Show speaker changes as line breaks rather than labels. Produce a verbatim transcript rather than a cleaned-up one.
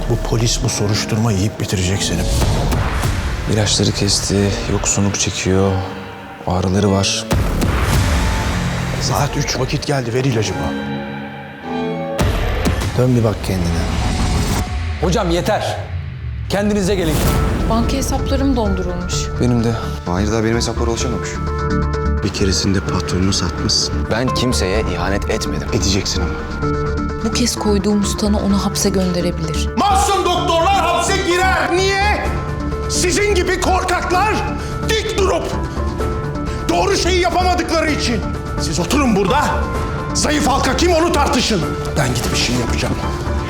Bu polis bu soruşturma yiyip bitirecek seni.
İlaçları kesti, yoksunluk çekiyor, ağrıları var.
Saat üç, vakit geldi, ver ilacımı.
Dön bir bak kendine.
Hocam yeter. Kendinize gelin.
Banka hesaplarım dondurulmuş.
Benim de.
Mahir daha benim hesaplara ulaşamamış.
Bir keresinde patronunu satmışsın.
Ben kimseye ihanet etmedim.
Edeceksin ama.
Bu kez koyduğumuz tanı onu hapse gönderebilir.
Masum doktorlar hapse girer. Niye? Sizin gibi korkaklar dik durup doğru şeyi yapamadıkları için. Siz oturun burada. Zayıf halka kim onu tartışın. Ben gidip bir şey yapacağım.